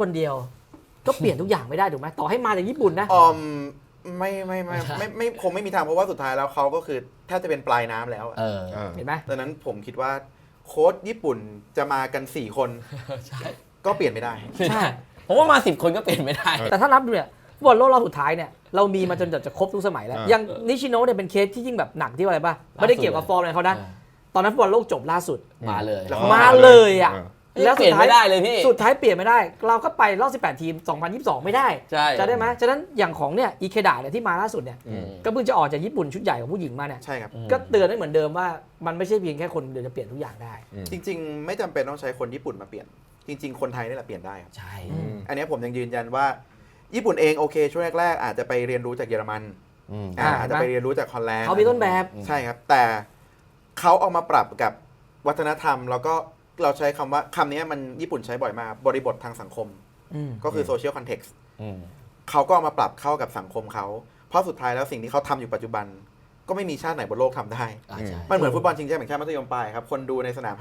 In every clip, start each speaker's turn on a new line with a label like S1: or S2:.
S1: คนเดียวก็เปลี่ยนทุกอย่างไม่ได้ถูกไหมต่อให้มาจากญี่ปุ่นนะ
S2: ไม่คงไม่มีทางเพราะว่าสุดท้ายแล้วเขาก็คือแทบจะเป็นปลายน้ำแล้ว
S1: เห็นไหม
S2: ดังนั้นผมคิดว่าโค้ชญี่ปุ่นจะมากัน4 คนก็เปลี่ยนไม่ได้
S3: ใช่ผมว่ามา10 คนก็เปลี่ยนไม่ได้
S1: แต่ถ้านับดูเนี่ยฟุตบอลโลกรอบสุดท้ายเนี่ยเรามีมาจนจะครบทุกสมัยแล้วยังนิชิโนะเนี่ยเป็นเคสที่ยิ่งแบบหนักที่อะไรป่ะไม่ได้เกี่ยวกับฟอร์มอะไรเขานะตอนนั้นฟุตบอลโลกจบล่าสุด
S3: มาเลย
S1: อ่ะ
S3: แล้วสุดท้ายไม่ได้เลยพี่
S1: สุดท้ายเปลี่ยนไม่ได้เราก็ไปรอบ18 ทีม2022ไม่ได้จะได้ไหมฉะนั้นอย่างของเนี่ยอิเคดะเนี่ยที่มาล่าสุดเนี่ยก็เพิ่งจะออกจากญี่ปุ่นชุดใหญ่ของผู้หญิงมาเนี่ย
S2: ใช่ครับ
S1: ก็เตือนได้เหมือนเดิมว่ามันไม่ใช่เพียงแค่คนเดียวจะเปลี่ยนทุกอย่างได้
S2: จริงๆไม่จำเป็นต้องใช้คนญี่ปุ่นมาเปลี่ยนจริงๆคนไทยนี่แหละเปลี่ยนได้ครับ
S3: ใช่
S2: อันนี้ผมยังยืนยันว่าญี่ปุ่นเองโอเคช่วงแรกๆอาจจะไปเรียนรู้จากเยอรมันอาจจะไปเรียนรู้จากฮอลแลนด์
S1: เขามีต้นแบบ
S2: ใช่ครับแต่เขาเอามาปรับกับวัฒนธรรมแล้วก็เราใช้คำว่าคำนี้มันญี่ปุ่นใช้บ่อยมากบริบททางสังคมก็คือโซเชียลคอนเท็กซ์เขาก็เอามาปรับเข้ากับสังคมเขาเพราะสุดท้ายแล้วสิ่งที่เขาทำอยู่ปัจจุบันก็ไม่มีชาติไหนบนโลกทำได้มันเหมือนฟุตบอลชิงแชมป์แห่งชาติมัธยมปลายครับคนดูในสนาม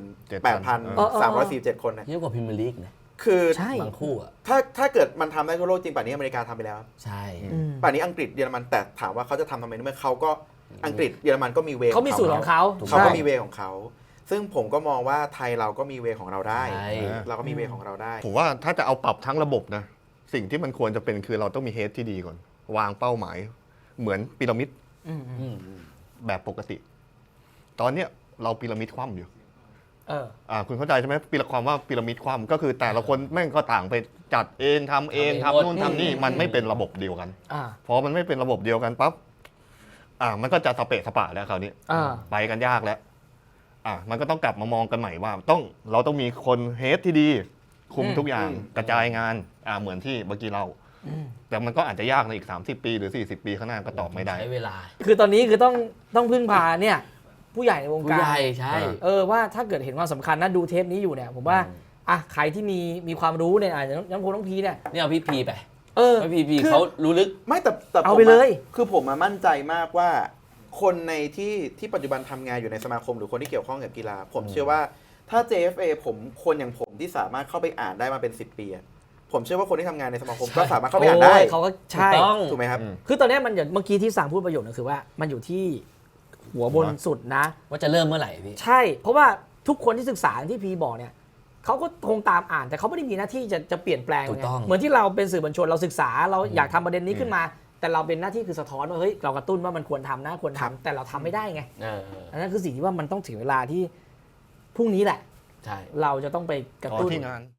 S2: 58,347 คน
S3: เยอะกว่าพรีเมียร์ลีกนะ
S2: คื
S3: อบางคู่อ่ะ
S2: ถ้าเกิดมันทำได้ทั่วโลกจริงป่านนี้อเมริกาทำไปแล้ว
S3: ใช่
S2: ป่านนี้อังกฤษเยอรมันแต่ถามว่าเขาจะทำไมเมื่อเขาก็อังกฤษเยอรมันก็มีเว
S1: เขามีสูตรของเขา
S2: ก็มีเวของเขาซึ่งผมก็มองว่าไทยเราก็มีเวของเราได้เราก็มีเวของเราได้
S4: ผมว่าถ้าจะเอาปรับทั้งระบบนะสิ่งที่มันควรจะเป็นคือเราต้องมีเฮดที่ดีก่อนวางเป้าหมายเหมือนพีระมิดแบบปกติตอนเนี้ยเราพีระมิดคว่ำอยู่คุณเข้าใจใช่ไหมความว่าพีระมิดคว่ำก็คือแต่ละคนแม่งก็ต่างไปจัดเองทำเองทำนู่นทำนี่มันไม่เป็นระบบเดียวกันพอมันไม่เป็นระบบเดียวกันปั๊บมันก็จะสเปะสปะแล้วคราวนี้ไปกันยากแล้วมันก็ต้องกลับมามองกันใหม่ว่าเราต้องมีคนเฮดที่ดีคุมทุกอย่างกระจายงานเหมือนที่เมื่อกี้เราแต่มันก็อาจจะยากในอีก30 ปีหรือ40 ปีข้างหน้าก็ตอบไม่ได้
S3: ใช้เวลา
S1: คือตอนนี้คือต้องพึ่งพาเนี่ยผู้ใหญ่ในวงการ
S3: ผู้ใหญ่ใช่
S1: ว่าถ้าเกิดเห็นความสำคัญนะดูเทปนี้อยู่เนี่ยผมว่าใครที่มีความรู้เนี่ยอาจจะน้องพีเนี่ย
S3: เอาพี่พีไปพี่เขารู้ลึก
S2: ไม่แต่
S1: เอาไปเลย
S2: คือผมมั่นใจมากว่าคนในที่ปัจจุบันทำงานอยู่ในสมาคมหรือคนที่เกี่ยวข้องกับกีฬาผมเชื่อว่าถ้า JFA คนอย่างผมที่สามารถเข้าไปอ่านได้มาเป็น10 ปีผมเชื่อว่าคนที่ทำงานในสมาคมก็สามารถเข้าไปอ่านได้
S1: เขาก็ใช่
S2: ถูกไหมครับ
S1: คือตอนนี้มันอย่างเมื่อกี้ที่สั่งพูดประโยชน์ก็คือว่ามันอยู่ที่หัวบนสุดนะ
S3: ว่าจะเริ่มเมื่อไหร่พี่
S1: ใช่เพราะว่าทุกคนที่ศึกษาที่พีบอกเนี่ยเขาก็คงตามอ่านแต่เขาไม่ได้มีหน้าที่จะเปลี่ยนแปลงเหมือนที่เราเป็นสื่อมวลชนเราศึกษาเราอยากทำประเด็นนี้ขึ้นมาแต่เราเป็นหน้าที่คือสะท้อนว่าเฮ้ยเรากระตุ้นว่ามันควรทำนะควรทำแต่เราทำไม่ได้ไงอันนั้นคือสิ่งที่ว่ามันต้องถึงเวลาที่พรุ่งนี้แหละเราจะต้องไปกระตุ้น